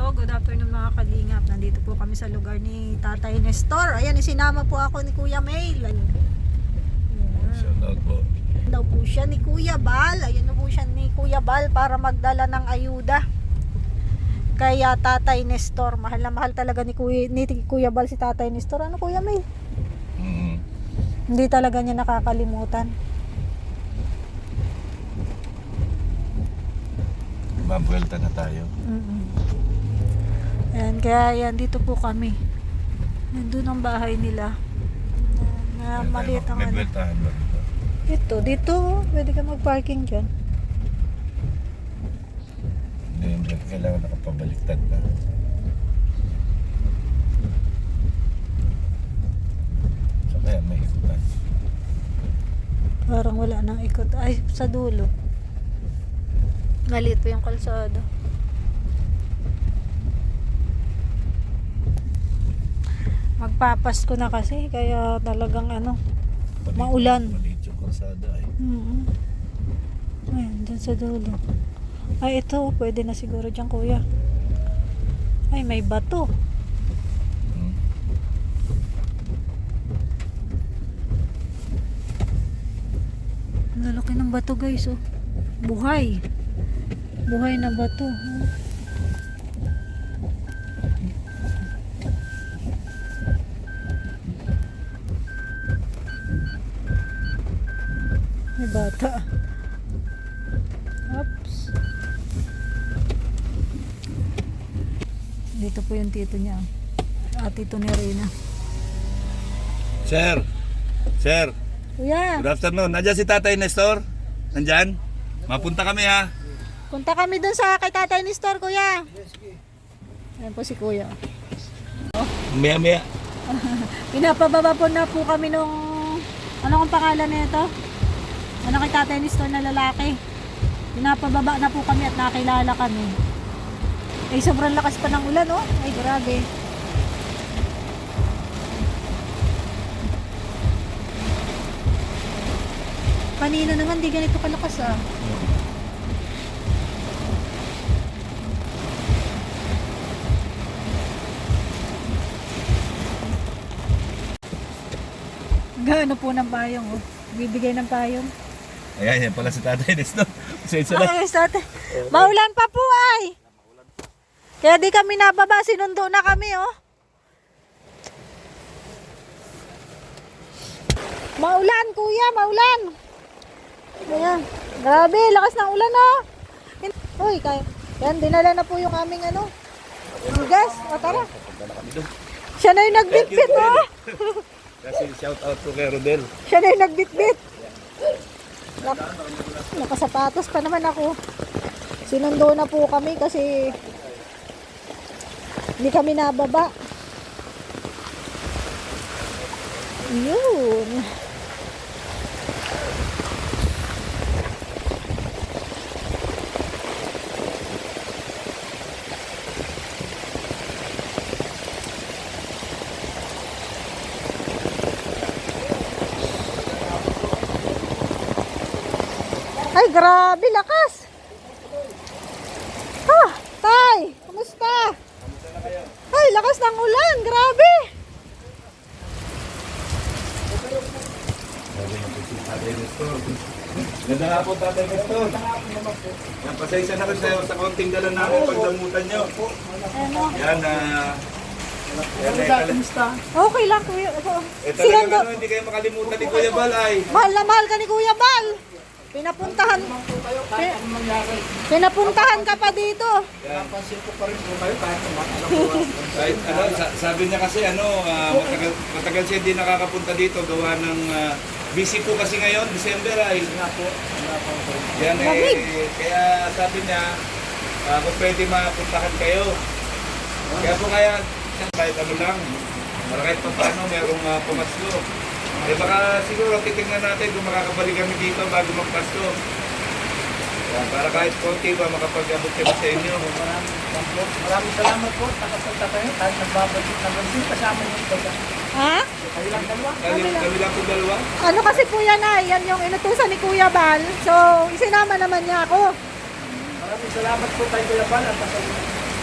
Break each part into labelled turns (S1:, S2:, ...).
S1: good afternoon mga kalingap. Nandito po kami sa lugar ni Tatay Nestor. Ayan, isinama po ako ni Kuya Mail. Ayan.
S2: Shout out po.
S1: Daw po siya ni Kuya Bal. Ayan na po siya ni Kuya Bal para magdala ng ayuda. Kaya Tatay Nestor, mahal na mahal talaga ni Kuya Bal si Tatay Nestor. Ano Kuya Mail? Hindi talaga niya nakakalimutan.
S2: Mabuelta na tayo.
S1: Ayan, kaya yan, dito po kami. Nandun ang bahay nila. Na maliit ang
S2: May
S1: ano.
S2: bueltahan ba dito?
S1: Dito, pwede ka mag-parking dyan.
S2: Hindi, kailangan nakapabaliktad na. So kaya may ikutan.
S1: Parang wala nang ikot. Ay, sa dulo. Maliit pa yung kalsada. Magpapasko na kasi, kaya talagang maulan.
S2: Maliit yung kalsada ay.
S1: Ayan, dyan sa dulo. Ay, ito, pwede na siguro dyan, kuya. Ay, may bato. Ang lalaki ng bato, guys, oh. Buhay. Buhay na bato. May bata. Oops. Dito po yung tito niya. At tito ni Reyna.
S2: Sir! Sir!
S1: Kuya,
S2: Good afternoon. Nandiyan si Tatay Nestor? Nandyan? Mapunta kami ha.
S1: punta kami dun sa kay Tatay Nestor, kuya. Ayan po si kuya.
S2: Maya.
S1: Pinapababa po na po kami nung ano kung pangalan nito? Ano kay Tatay Nestor na lalaki. Pinapababa na po kami at nakilala kami. Eh sobrang lakas pa ng ulan, oh. Ay grabe. Kanina naman di ganito kalakas, ah. Gaano po ng payong, oh. Bibigay ng payong.
S2: Ayan, yan pala si Tatay Nestor. Pasensya na.
S1: Ay, sate. Maulan pa po ay. Kaya di kami nababa, sinundo na kami, oh. Maulan, kuya, maulan. Ayan. Grabe, lakas ng ulan, oh. Uy, kaya. Yan, dinala na po yung aming bigas. O, tara. Siya na yung nagbitbit, oh.
S2: Kasi shout out to kay Rodel.
S1: Siya na yung nagbitbit. Nakasapatos pa naman ako. Sinundo na po kami kasi hindi kami nababa. Yun. Ay, grabe, lakas. Tay, kumusta? Ay, lakas ng ulan, grabe.
S2: Tatay Nestor. Ganda nga po, Tatay Nestor. Yan, pasensya na rin sa konting dala namin pagdamutan nyo. Yan,
S1: Okay lang, kuya.
S2: talagang hindi kayo makalimutan ni Kuya Bal ay.
S1: Mahal na mahal ka ni Kuya Bal. Pinapuntahan ka pa dito.
S2: Kahit sabi niya kasi matagal siya hindi nakakapunta dito gawa ng busy po kasi ngayon, December ay. Yan kaya sabi niya kung pwede mapuntahan kayo. Kaya kahit ano lang, kahit pa paano merong pumaslo. Eh baka siguro titignan natin kung makakabalik kami dito bago magpasko. Para kahit konti ba makapag-abot kami sa inyo.
S3: Maraming salamat po. Nakapunta kayo. Kahit nagbabalik naman din. Kasama niyo ito.
S1: Ha?
S3: Kayo lang dalawa.
S2: Kami lang po dalawa.
S1: Ano kasi po yan ay, yan yung inutusan ni Kuya Bal. So, isinama naman niya ako.
S3: Maraming salamat po tayo Kuya Bal. At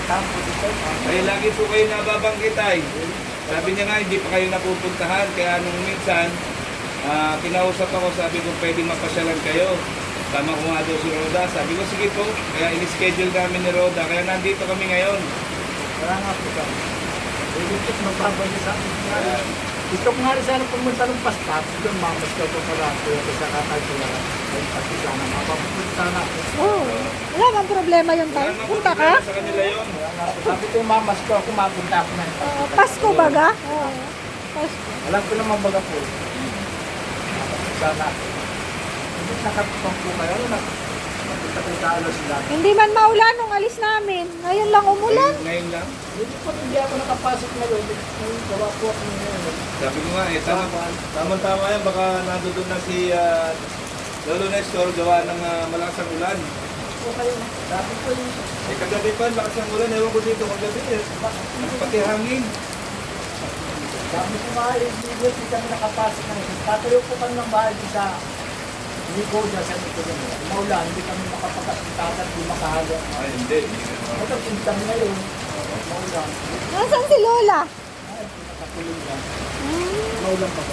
S3: tampo dito.
S2: Ay, lagi po kayo nababanggit ay. Sabi niya nga, hindi pa kayo napupuntahan. Kaya nung minsan, kinausap ako, sabi ko, pwede mapasyalan kayo. Tama ko nga daw si Roda. Sabi ko, sige po. Kaya in-schedule namin ni Roda. Kaya nandito kami ngayon.
S3: Wala nga po ka. Ito magbabalik sa akin. Gusto ko nga rin sana pumunta ng paspas. Doon mamas ko po pala. Kaya ko sa kakay ko lang. Ay, pati sana. Mapapunta sana ako.
S1: Wala bang problema yun tayo?
S2: Wala namang
S1: Punta ka?
S2: problema sa kanila yun.
S3: Kaya nga po, sabi ko yung mamas ko, ako mapunta ako na.
S1: Pasko baga? Oo. Pasko.
S3: Alam ko naman baga po. Sana ako. Hindi nakatupang po kayo. Napunta ko yung kaalo sila.
S1: Hindi man maulan nung alis namin. Ngayon lang umulan.
S2: Ngayon lang.
S3: Hindi ako nakapasok na yun. Ngayon, gawa po ako ngayon.
S2: Sabi ko nga, tama-tama yan. Baka nandoon na si Lolo Nestor gawa ng malakas ang ulan.
S3: Po kayo. Sabi ko yung
S2: Kagabi pa, lakas ang ulan. Ewan ko dito kagabi. Pati hangin.
S3: sabi ko nga yung video, hindi kami nakapasok na yun. Tatayo po kami ng bahay sa Nico dyan sa Nico dyan. Maulan, hindi kami makapagkasitakan, hindi makahalo.
S2: Ay, hindi.
S3: Matapos kami ngayon. Maulan.
S1: Nasaan si Lola?
S3: Ay, nakatulong dyan.
S1: Hmm.
S3: Maulan pa ba?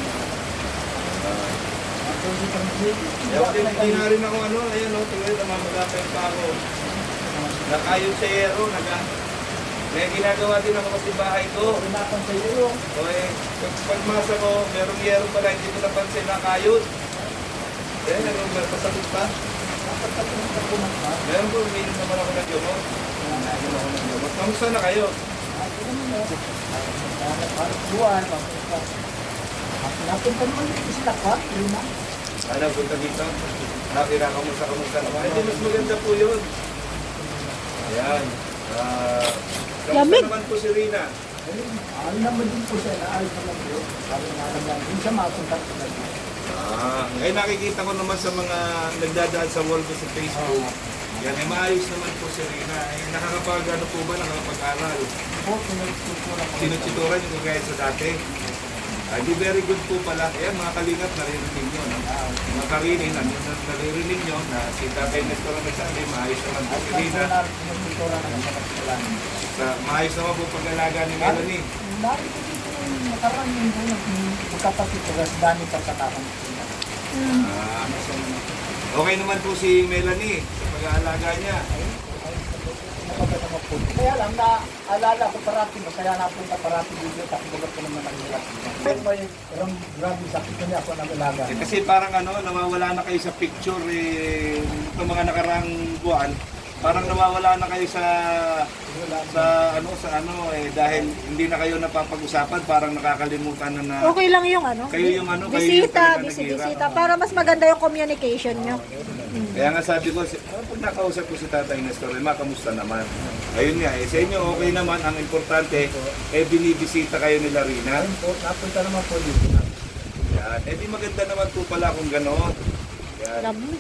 S3: Hindi kami
S2: Hindi na rin ako ayan tuloy, namamagapay pa ako. Nakayod sa yero, may ginagawa din ako sa bahay ko.
S3: Pinapan sa iyo.
S2: O pagmasa ko, merong yero pala, hindi ko napansin nakayod. Eh, nagpasakit pa.
S3: Dapat katulong ka po man ba?
S2: Meron po, uminom naman ako ng gamot. Uminom ako ng gamot. Kamusta na kayo?
S3: Ay, ano mo? Parang buwan. Napunta naman dito sila ka, Rina.
S2: Ano, punta dito? Kamusta naman? Hindi, mas maganda po yun. Ayan. Kamusta
S1: Lamig.
S2: naman po si Rina?
S3: Ano naman din po siya, naayos naman po. Sabi nga naman, hindi siya mapunta ko na dito.
S2: Ngayon nakikita ko naman sa mga nagdadaan sa wall ko sa Facebook. Yan, maayos naman po si Rina. Nakakapag-ano po ba, nakakapag-aral?
S3: Po, sinutsura ko.
S2: Sinutsituran yung kagaya sa dati. Di very good po pala. Ayan, mga kalingap, naririnig nyo. No? Mga karinin, naririnig nyo na si Tatay Nestor ang nagsabi, maayos naman po si Rina.
S3: Sinutsura naman sa kapitalan.
S2: Maayos naman po pag-alaga ni Melanie.
S3: Dahil ko dito yung nakaraan yung magkapatid ko, kasi dami pa sa kakang.
S2: Okay naman po si Melanie sa pag-aalaga niya.
S3: Kaya lang, naalala ko parati mo, kaya napunta parati dito, takibulat ko naman ang hirap. May grabe sakit ko niya ako nag-alaga.
S2: Kasi parang nawawala na kayo sa picture itong mga nakarang buwan. Parang nawawala na kayo sa dahil hindi na kayo napapag-usapan, parang nakakalimutan na
S1: Okay lang yung
S2: kayo yung kayo yung
S1: bisita,
S2: talaga naghihirap.
S1: bisita. Para mas maganda yung communication nyo.
S2: Kaya nga sabi ko, pag nakausap ko si Tatay Nestor, kamusta naman? Ayun nga, sa inyo okay naman, ang importante, binibisita kayo nila Rina.
S3: Ayun po, napunta naman po dito.
S2: Yan, di maganda naman po pala kung gano'n. Yan.
S1: Alam mo.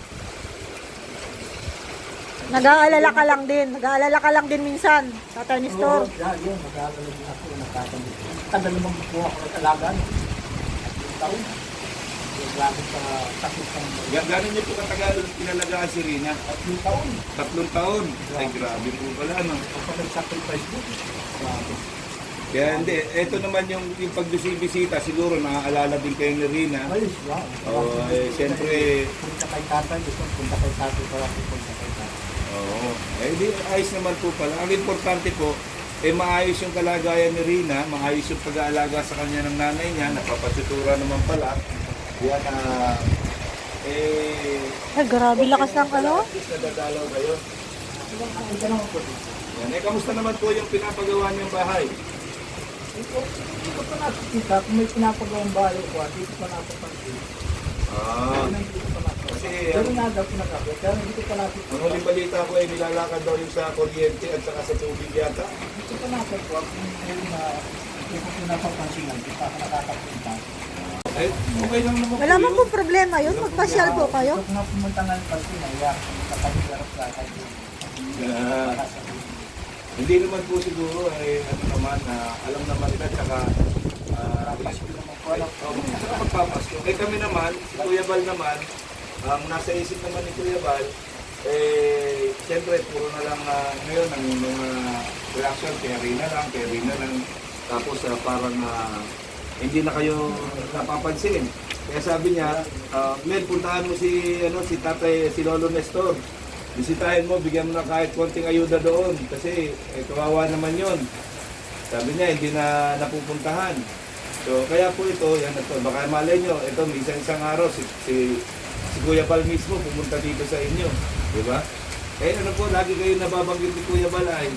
S1: Nag-aalala ka lang din. Nag-aalala ka lang din minsan. Tatay ni Store.
S3: Oo, yun, mag-aalala din ako, nagtatanong. Tagal naman po ako nag-alaga. Taon. Grabe sa sakit ng
S2: Gano'n niyo po katagal pinalagaan si Rina?
S3: 3 taon.
S2: 3 taon. Ay, grabe po pala, no?
S3: Ako nag-sacrifice din. Grabe.
S2: Kaya hindi, ito naman yung pagbisita, siguro naaalala din kayo ni Rina.
S3: Ayos, wow.
S2: Siyempre,
S3: Punta kay tatay, gusto punta kay tatay, para punta kay tatay.
S2: oo. Di, ayos naman po pala. Ang importante po, maayos yung kalagayan ni Rina, maayos yung pag-aalaga sa kanya ng nanay niya, napapatutura naman pala. Yan,
S1: Ay, grabe lakas ng ano.
S2: At least nadadalaw kayo.
S3: Ito naman po dito.
S2: Yan, kamusta naman po yung pinapagawa niyong bahay?
S3: Hindi ko pa nakikita, kung may pinapagawang bahay ko, dito pa napapansin. Hindi ko pa nakikita.
S2: Kasi,
S3: Pero nga daw pinagkakit, pero hindi ko pa nakikita.
S2: ang huling balita ko ay nilalakad daw yung sa kuryente at saka sa tubig yata.
S3: Hindi ko pa nakikita, kung hindi ko pinapapansin lang, hindi pa ako nakakapunta.
S2: Okay lang naman
S1: Wala
S2: po
S1: man
S2: yun.
S1: po problema yun. Magpasyal po kayo.
S3: Gusto ko nga pumunta nga ng pansin, naiyak ko sa pag-iarap sa akin.
S2: Hindi naman po siguro, alam naman nila, tsaka magpapasko. Kami naman, si Kuya Bal naman, ang nasa isip naman ni Kuya Bal, siyempre, puro na lang ngayon ang mga reaction, kay Rina lang. Tapos parang hindi na kayo napapansin. Kaya sabi niya, Mel, puntahan mo si tatay, si Lolo Nestor. Bisitahin mo, bigyan mo na kahit konting ayuda doon. Kasi kawawa naman yon. Sabi niya, hindi na napupuntahan. So, kaya po ito, yan ito. Baka malay nyo, ito, isang araw, si Kuya Bal mismo pumunta dito sa inyo. Di ba? Kaya ano po, lagi kayo nababanggit ni Kuya Bal ay.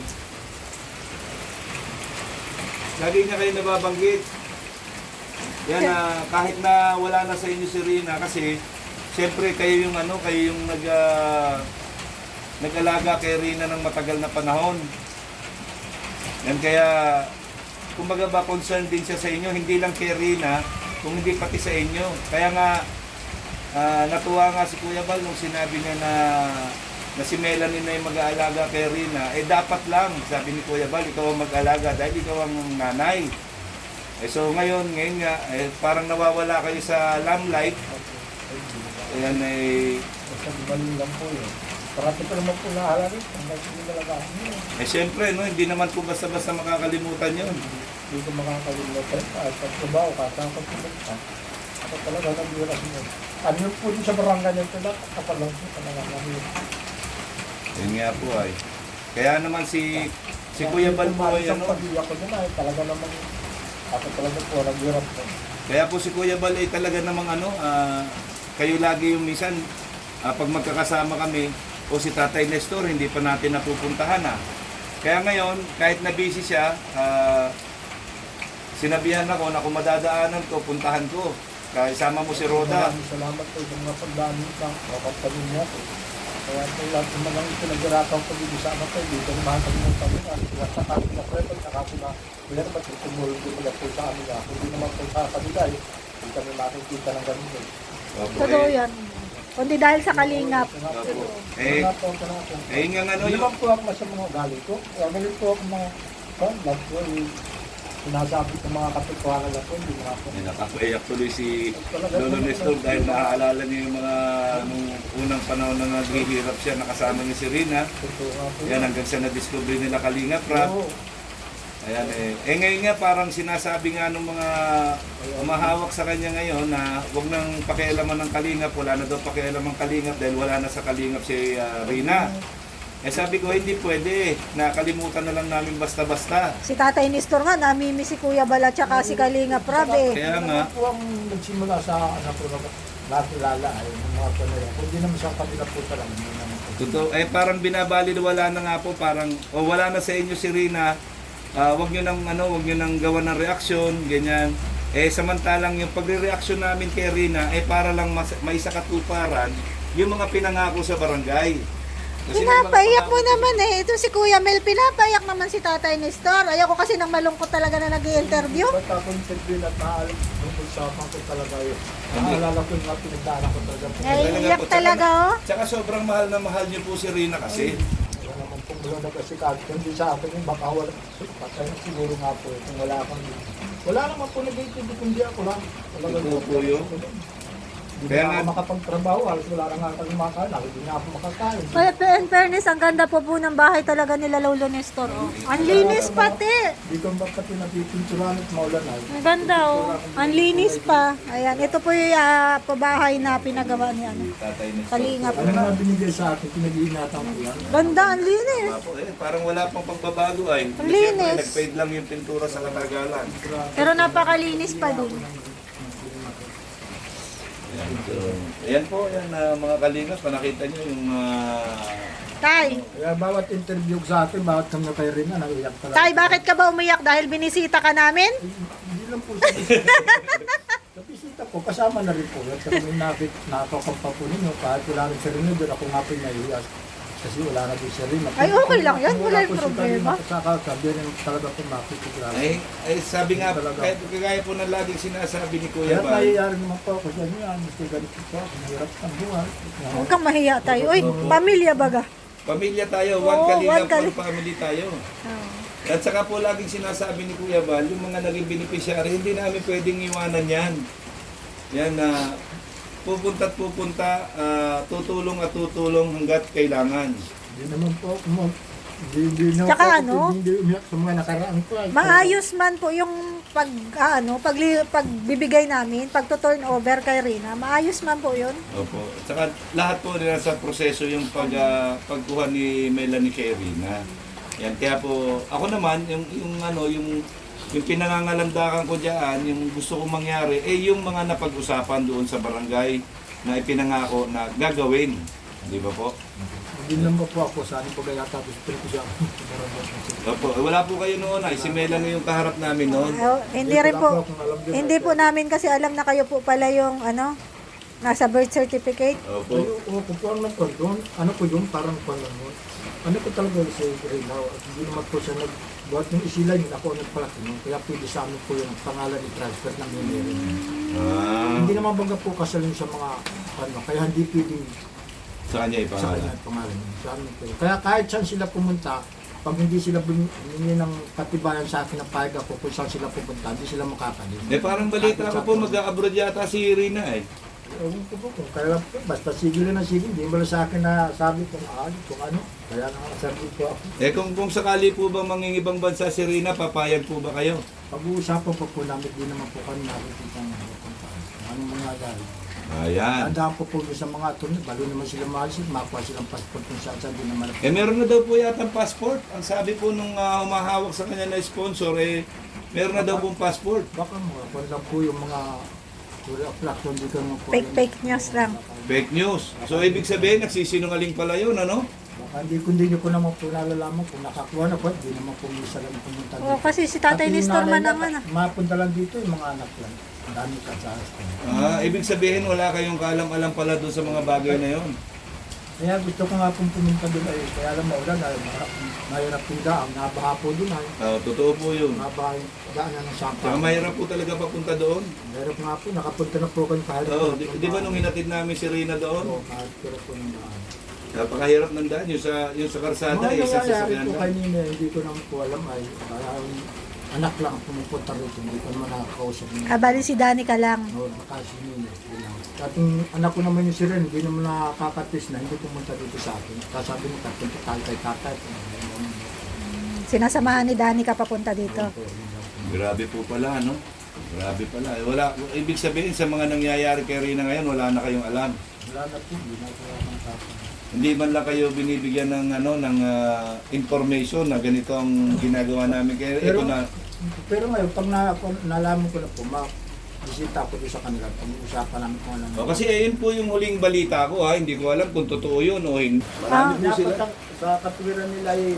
S2: Lagi niya kayo nababanggit. Yan kahit na wala na sa inyo si Rina, kasi siyempre kayo yung nag-alaga kay Rina ng matagal na panahon. Yan kaya, kumbaga ba concerned din siya sa inyo, hindi lang kay Rina, kung hindi pati sa inyo. Kaya nga, natuwa nga si Kuya Bal nung sinabi niya na si Melanie na yung mag-aalaga kay Rina. Dapat lang, sabi ni Kuya Bal, ikaw ang mag-aalaga dahil ikaw ang nanay. So ngayon nga, parang nawawala kayo sa limelight. Ayan
S3: Basta galing lang po yun. Parati pa naman po nahala rin.
S2: Siyempre, no, hindi naman po basta-basta makakalimutan yun.
S3: Hindi ko makakalimutan. Kahit sa trabaho, kahit ako pumunta. Ako talaga nag-iras mo. Ano yun po din sa barangay niya ito lang. Kapalang po talaga namin.
S2: Yun nga po ay. Kaya naman si Kuya Bal po ay
S3: Isang pag-iyak ko din ay talaga naman. Ako talaga po nag-iras po.
S2: Kaya po si Kuya Bal ay talaga namang kayo lagi yung minsan pag magkakasama kami o si Tatay Nestor, hindi pa natin napupuntahan Kaya ngayon, kahit na busy siya, sinabihan ako na kung madadaanan ko, puntahan ko. Kaya isama mo si Roda.
S3: Maraming salamat po sa mga pagdami ng kapatid niya po. Kaya po lahat ng mga pinag-irataw ko dito sa anak ko, dito ang mga kalimutan mo. At sa kami na preto, saka po na meron ba tumulong din nila po sa amin hindi naman po sa kanila hindi kami makikita ng ganun
S1: Totoo yan. Kundi dahil sa kalingap.
S2: Opo. Nga
S3: Hindi naman po ako masamang ugali ko. Kaya galing po ako mga love ko. Sinasabi ko mga kapitwanan na po. Hindi mga po.
S2: Nakakaiyak tuloy si Lolo Nestor dahil naaalala niya yung mga nung unang panahon na naghihirap siya, nakasama niya si Rina. Yan hanggang sa na-discover nila Kalingap Rap. Ayan ngayon nga parang sinasabi nga ng mga umahawak sa kanya ngayon na huwag nang pakialaman ng Kalingap, wala na daw pakialaman ng Kalingap dahil wala na sa Kalingap si Rina. Sabi ko hindi pwede, nakalimutan na lang namin basta-basta.
S1: Si Tatay Nestor nga, namimiss si Kuya Bal at saka si Kalingap Rab
S2: Kaya nga.
S3: Po ang nagsimula sa po nakilala ay mga panayang. Hindi naman sa kanila po talaga.
S2: Totoo, parang binabaliwala na nga po, parang wala na sa inyo si Rina. Wag niyo nang gawa ng reaksyon, ganyan. Samantalang yung pagre-reaksyon namin kay Rina para lang may sakatuparan yung mga pinangako sa barangay. Kasi
S1: pinapayak mo naman Ito si Kuya Mel, pinapayak naman si Tatay Nestor. Ayoko kasi nang malungkot talaga na nag-i-interview.
S3: Ba't ako interview at maalam tungkol sa ko talaga yun. Naalala ko yung mga pinagdaanan ko talaga.
S1: Iyak talaga
S2: Tsaka sobrang mahal na mahal niyo po si Rina kasi.
S3: Wala naman pong wala na kasi kahit hindi sa akin yung baka wala. Patay na siguro nga po kung wala akong wala naman po nag-iintindi kundi ako lang.
S2: Ito po yun.
S3: Hindi
S2: Kaya
S3: na
S2: nga-
S3: ako makapagtrabaho, halos wala na nga ako makakain, hindi na ako makakain.
S1: Kaya in fairness, ang ganda po ng bahay talaga nila Lolo Nestor. Ang linis pati.
S3: Hindi ko ba pati napipinturan at maulan ay.
S1: Ang ganda Ang linis pa. Ayan, ito po yung pabahay na pinagawa ni
S2: Tatay Nestor.
S1: Kalingap.
S3: Ano nga binigay sa akin, pinag-iingatan ko yan.
S1: Ganda, ang linis.
S2: Parang wala pang pagbabago ay.
S1: Ang linis.
S2: Siyempre, nag-fade lang yung pintura sa katagalan.
S1: Pero napakalinis pa din.
S2: Ayan po, mga Kalingap, nakita niyo yung
S1: Tay,
S3: Kaya bawat interview ko sa akin, bawat kami kay Rina, naiyak talaga.
S1: Tay, bakit ka ba umiyak? Dahil binisita ka namin?
S3: Hindi lang po sa bisita. Sa bisita ko, kasama na rin po. At sa kami nakakapag po ninyo, kahit wala rin sa Rina, doon ako nga po naiyak. Kasi wala na din sa Rina.
S1: Ay, okay lang yan. Wala yung
S3: po si
S1: problema.
S3: Kalina, Saka sabi rin talaga po makikilala.
S2: sabi nga, kahit kagaya po ng laging sinasabi ni Kuya
S3: Kaya
S2: Bal.
S3: nangyayari naman po ako sa inyo, gusto ganito po, mahirap ang buhay.
S1: Huwag kang mahiya tayo. Uy, pamilya baga.
S2: Pamilya tayo,
S1: Oo,
S2: one Kalingap,
S1: one
S2: one family tayo. At saka po laging sinasabi ni Kuya Bal, yung mga naging beneficiary, hindi namin pwedeng iwanan yan. Yan na pupunta at pupunta, tutulong at tutulong hanggat kailangan.
S3: Hindi naman po, Hindi na
S1: Tsaka
S3: ako,
S1: ano?
S3: Hindi umiyak sa mga nakaraan ko.
S1: Maayos man po yung pagbibigay namin, pagto-turnover kay Rina. Maayos man po yun.
S2: Opo. Saka lahat po nasa proseso yung pagkuha ni Melanie kay Rina. Yan, kaya po, ako naman, yung pinangangalandakan ko diyan, yung gusto kong mangyari, yung mga napag-usapan doon sa barangay na ipinangako na gagawin. Di ba po?
S3: Hindi naman po ako, saan po kaya tapos pero ko siya.
S2: Opo, wala po kayo noon ay si Melanie yung kaharap namin noon.
S1: Hindi rin po, hindi po namin kasi alam na kayo po pala yung nasa birth certificate.
S2: Opo.
S3: Kung po ang nagkondon, ano po yun, parang panahon. Ano po talaga si Rina, at hindi naman po siya nagbuhat ng isilan yun, ako ang nagpalaki nun. Kaya pwede sa amin po yung pangalan ni transfer ng Mimeri. Hindi naman bangga po kasalin sa mga kaya hindi pwedeng
S2: Sa kanya
S3: sa
S2: ipangalan.
S3: kanya pangalan. Sa amin po. Kaya kahit saan sila pumunta, pag hindi sila bumili ng katibayan sa akin ng payag ako kung saan sila pupunta, hindi sila makakalim.
S2: Parang balita ko po mag-abroad yata si Rina eh.
S3: Ewan ko po kung kaya po, basta sigil na sigil, hindi mo lang sa akin na sabi kung ano. Kaya nakasabi po ako.
S2: Kung sakali po ba mangingibang bansa si Rina, papayag po ba kayo?
S3: Pag-uusapan po namin, di naman po kami nakikita ng kung paano. Anong mga dahil.
S2: Ayan.
S3: Tandaan po sa mga attorney, balo naman sila maalisin, makuha silang passport kung saan di naman.
S2: Meron na daw po yata passport. Ang sabi po nung humahawak sa kanya na sponsor, meron na daw pong passport.
S3: Baka mga kung lang po yung mga platform di ka naman po.
S1: Fake news lang.
S2: Fake news. So, ibig sabihin, nagsisinungaling pala yun, ano?
S3: Baka hindi ko naman po nalalaman kung nakakuha na po, hindi naman po misa lang pumunta
S1: Oo, kasi si Tatay
S3: Pati yung
S1: Nestor
S3: nanay
S1: man naman.
S3: Mapunta lang dito yung mga anak lang. Ang dami ka sa
S2: Ibig sabihin, wala kayong kaalam-alam pala doon sa mga bagay na yon.
S3: Kaya gusto ko nga pong pumunta doon ay kaya lang maulan dahil mahirap yung daan. Nabaha po doon ay.
S2: Totoo po yun.
S3: Nabaha yung daanan ng
S2: Saka
S3: sampa.
S2: mahirap po talaga papunta doon.
S3: Mahirap nga po, nakapunta na po kayo kahit.
S2: Di ba nung hinatid namin si Rina doon?
S3: Oo, kahit pero po ng daan.
S2: Napakahirap ng daan. Yung sa karsada,
S3: Mga
S2: isa sa
S3: nangyayari
S2: sasakyan
S3: po
S2: lang.
S3: kanina, hindi ko naman po alam ay anak lang pumupunta rito. Hindi ko naman nakakausap niya.
S1: Bali si Danica lang.
S3: No, baka si Nino. At yung anak ko naman yung si Ren, hindi naman nakakatis na hindi pumunta dito sa akin. Kasabi mo, punta tayo kay tatay.
S1: Sinasamahan ni Danica papunta dito.
S2: Grabe po pala, no? Grabe pala. Wala, ibig sabihin, sa mga nangyayari kay Rina ngayon, wala na kayong alam.
S3: Wala na po, hindi na po ang tatay.
S2: Hindi man lang kayo binibigyan ng information na ganito ang ginagawa namin kay ito na.
S3: Pero ngayon, pag nalaman ko na po, bisita ako doon sa kanila, pag-uusapan namin kung ano.
S2: Kasi yun po yung huling balita ko ha, hindi ko alam kung totoo yun o hindi. Marami po sila.
S3: Dapat sa katwiran nila ay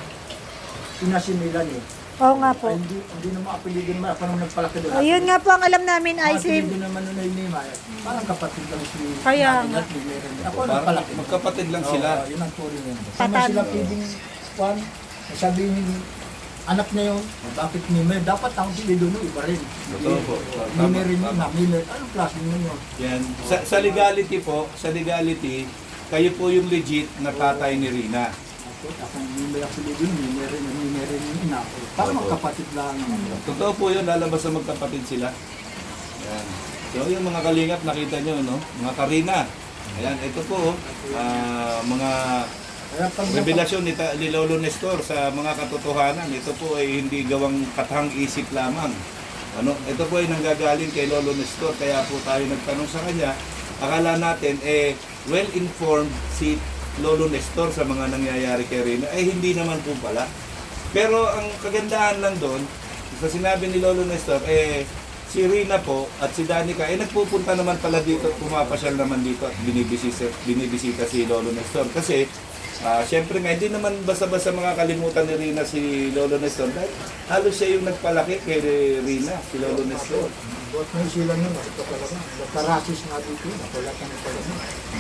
S3: pinasimilan eh.
S1: Oo nga po.
S3: Ay, hindi naman apelidin naman ako nung nagpalaki doon.
S1: Ayun nga po ang alam namin ay si...
S3: Apelidin naman nun ay Nima. Parang kapatid lang si
S1: Kaya
S3: Nanay
S1: nga.
S3: at ni Meren. Ako
S2: Parang
S3: nagpalaki.
S2: magkapatid lang sila.
S3: Oo, yun ang turing yun. Sama
S1: Patan.
S3: sila pwedeng kwan. Sabihin anak na yun, bakit Mime? Dapat ang sila doon, iba rin.
S2: Totoo po.
S3: Mime rin
S2: Tama,
S3: yun na, Mime. Anong klase mo yun?
S2: Yan. Sa legality po, kayo po yung legit na tatay ni Rina.
S3: Ako Mime ako sila doon, Mime rin yung ina. Parang magkapatid lang.
S2: Totoo po yun, lalabas sa magkapatid sila. Yan. So yung mga kalingap, nakita nyo, no? Mga Karina. Ayan, ito po, mga
S3: Kaya pag
S2: revelasyon ni Lolo Nestor sa mga katotohanan. Ito po ay hindi gawang katang isip lamang. Ito po ay nanggagaling kay Lolo Nestor. Kaya po tayo nagtanong sa kanya. Akala natin, well-informed si Lolo Nestor sa mga nangyayari kay Rina. Hindi naman po pala. Pero ang kagandahan lang doon, sa sinabi ni Lolo Nestor, si Rina po at si Danica, nagpupunta naman pala dito, pumapasyal naman dito at binibisita si Lolo Nestor. Kasi, syempre nga, hindi naman basta-basta makakalimutan ni Rina si Lolo Nestor. Dahil halos siya yung nagpalaki kay Rina, si Lolo Nestor.
S3: buhat na yung sila nun, ito talaga. Nagkarasis nga dito, wala kang talaga.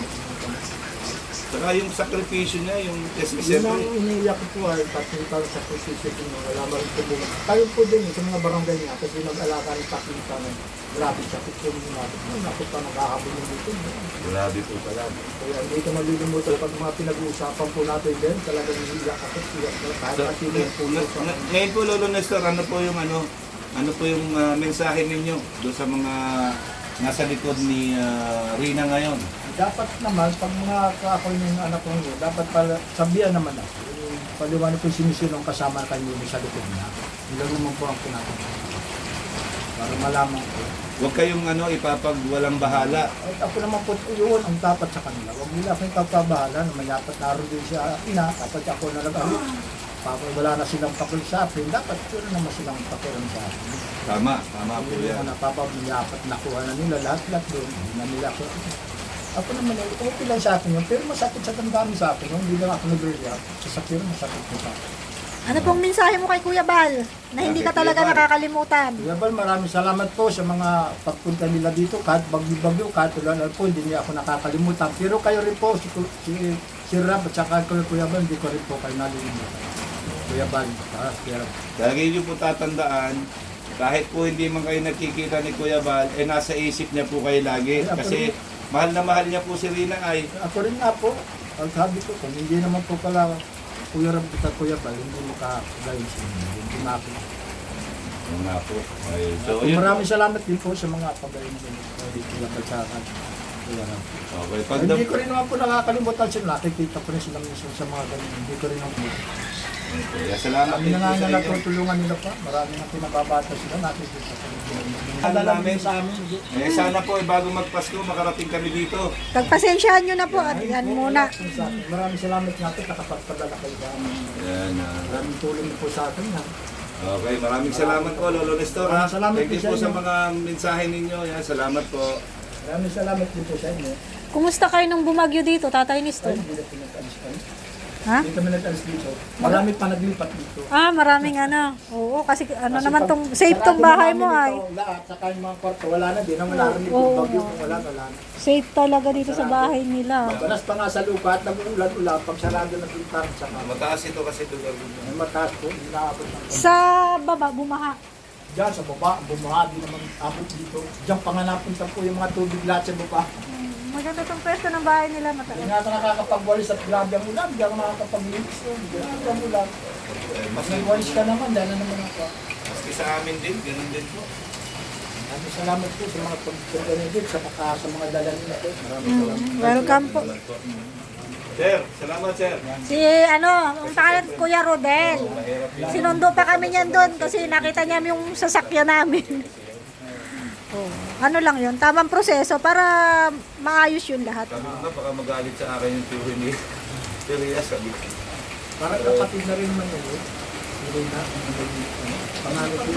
S2: Saka yung sakripisyo niya, yung kasi
S3: Yun
S2: siyempre,
S3: ang iniiyak ko po ay patuntal sa position mo, wala mo rin tulungan. Tayo po din sa mga barangay niya, kasi nag-alaka ng pakita ng grabe sa kutsyon mo natin. Nakot pa naghahabol ng dito.
S2: grabe po pala.
S3: Kaya hindi ko malilimutan pag mga pinag-uusapan po natin din, talagang iniiyak ako. Kahit
S2: So,
S3: pati yung pulo sa
S2: ngayon po Lolo Nestor, ano po yung mensahe ninyo doon sa mga nasa likod ni Rina ngayon?
S3: dapat naman, pag mga kaakoy ng anak ko yun, dapat pala sabihan naman ako. paliwanag ko sinisilong kasama kayo sa likod niya. Ilan naman po ang pinatapos. Para malaman ko.
S2: Huwag kayong ipapag walang bahala.
S3: At ako naman po yun ang dapat sa kanila. Huwag nila akong ikapabahala na mayapat naroon din siya ina. Dapat ako na lang wala na silang pakul sa akin. Dapat yun naman silang pakiram sa akin.
S2: Tama po
S3: Hindi
S2: yan.
S3: naman napapayapat nakuha na nila lahat doon. Hindi na nila ako. Ako naman, okay lang sa akin yun. Pero masakit sa damdamin sa akin. Hindi lang ako nag-react. Sa sakit masakit ko sa akin.
S1: Ano pong mensahe mo kay Kuya Bal na hindi ka
S2: Bakit,
S1: talaga
S2: Kuya Bal?
S1: nakakalimutan?
S3: Kuya Bal, maraming salamat po sa mga pagpunta nila dito. Kahit bagyo-bagyo, kahit ulan po, hindi niya ako nakakalimutan. Pero kayo rin po, si Rab at saka Kuya Bal, hindi ko rin po kayo nalilimutan. Kuya Bal, Kuya Rab.
S2: Lagi niyo po tatandaan, kahit po hindi man kayo nakikita ni Kuya Bal, nasa isip niya po kayo lagi. Kasi mahal na mahal niya po si Rina ay.
S3: Ako rin nga po, ang sabi ko, kung hindi naman po pala Kuya Rab at Kuya Bal, hindi mo kakagayin sa inyo. Hindi maki.
S2: Oo nga po. Ay, so, yun.
S3: Maraming salamat din po sa mga pagayin sa Kuya Bal sa akin. Kuya Rab.
S2: Okay, pag
S3: Hindi ko rin naman po nakakalimutan sila. Nakikita ko rin sila minsan sa mga ganyan. Hindi ko rin naman.
S2: Kaya salamat
S3: Kami
S2: din
S3: na
S2: po
S3: nga
S2: sa
S3: na
S2: inyo.
S3: natutulungan nila pa. Marami na pinababata sila. Nakikita ko rin.
S2: Alam namin.
S3: sa amin.
S2: Sana po, bago magpasko, makarating kami dito.
S1: Pagpasensyahan nyo na po at yan muna.
S3: Maraming salamat nga po nakapagpadala kayo sa amin.
S2: Yan.
S3: Maraming tulong niyo po sa akin. Ha?
S2: Okay, maraming salamat po, Lolo Nestor. Ha?
S3: Maraming salamat
S2: Thank you
S3: din
S2: po
S3: sa
S2: sa
S3: inyo.
S2: mga mensahe ninyo. Yan, salamat po.
S3: Maraming salamat din po sa inyo.
S1: Kumusta kayo nung bumagyo dito, Tatay Nestor?
S3: Ay, hindi na pinag-alis kayo.
S1: Ha?
S3: Hindi kami nag-alis dito. Marami pa naglipat dito.
S1: Ah, maraming ano. Oo, kasi ano
S3: Kasi
S1: naman
S3: pag-
S1: tong safe tong
S3: sarado
S1: bahay
S3: na
S1: mo
S3: namin
S1: ay.
S3: ito, lahat, saka yung mga kwarto, wala na din. Ang narinig
S1: Oo,
S3: yung bagyo,
S1: oo.
S3: kung wala na.
S1: Safe talaga dito sa bahay nila.
S3: Mabalas pa nga sa lupa at nag-uulan-ulan pag sarado na pintar saka
S2: Mataas ito kasi lugar dito.
S3: may mataas po, inaabot ng
S1: Sa baba, bumaha.
S3: Diyan sa baba, bumaha, di naman abot dito. Diyan pa nga napunta po yung mga tubig lahat sa baba.
S1: Maganda tong pwesto ng bahay nila,
S3: Hindi
S1: mataas.
S3: nga ako nakakapagwalis at grabe ang ulan, hindi ako nakakapaglinis yun. Grabe ang ulan. Mas nagwalis ka naman, dahil na naman ako.
S2: Maski sa amin din, ganun din po.
S3: Maraming salamat po sa mga pagpunta niyo dito, sa mga dala nila po. Maraming salamat.
S1: Welcome po.
S2: Sir, salamat sir.
S1: Si ano, ang pangalan Kuya Rodel. Sinundo pa kami niyan doon kasi nakita niya yung sasakyan namin. Oh, ano lang yun, tamang proseso para maayos yun lahat.
S2: Sabi ko nga, baka magalit sa akin yung theory ni Teria, sabi ko.
S3: Parang kapatid na rin naman yun. Hindi na. Pangalit ko.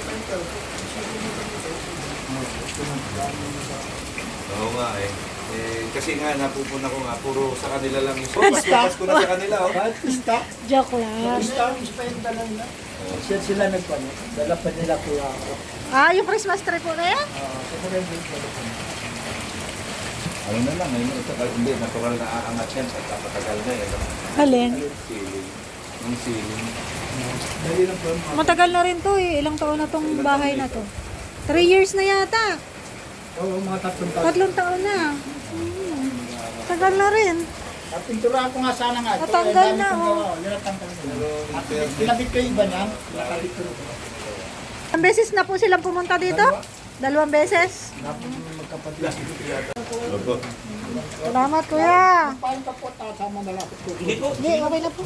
S2: Oo nga eh. Kasi nga, napupuna ko nga, puro sa kanila lang yung pasko na sa kanila. Oh.
S3: Kahit pista.
S1: Joke lang.
S3: Pista, pista yung dala nila. Sila nagpano. Dala pa nila kuya ako.
S1: Ah, yung Christmas tree po na yan?
S3: Sa mga yung dala pa nila.
S2: Ano na lang, ayun, ito, hindi, natural na aangat yan, pagkapatagal na eh.
S1: Alin?
S2: Ceiling. Ang ceiling.
S3: Dali lang po.
S1: Matagal na rin to eh. Ilang taon na tong bahay na to. 3 years na yata.
S3: Oo, mga 3 taon.
S1: 3 taon na. Tagal na rin.
S3: At pintura ko nga sana nga. ito,
S1: Natanggal
S3: dami
S1: na,
S3: kong
S1: oh.
S3: gawa. Yun natanggal na. At kinabit ko yung iba niya. Nakabit ko rin.
S1: Ang beses na po silang pumunta dito? 2 beses?
S3: Magkapatid.
S2: Opo.
S1: Salamat kuya.
S3: Paano pa po sama na lang?
S2: Hindi po.
S1: Hindi, okay na po.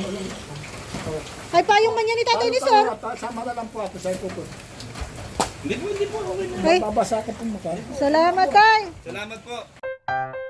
S1: Ay, payong man yan ni Tatay Nestor.
S3: Sama na lang po ako sa ito po.
S2: Hindi po, okay na.
S1: Ay,
S3: Babasa ka po mukha.
S1: salamat tay.
S2: Salamat po.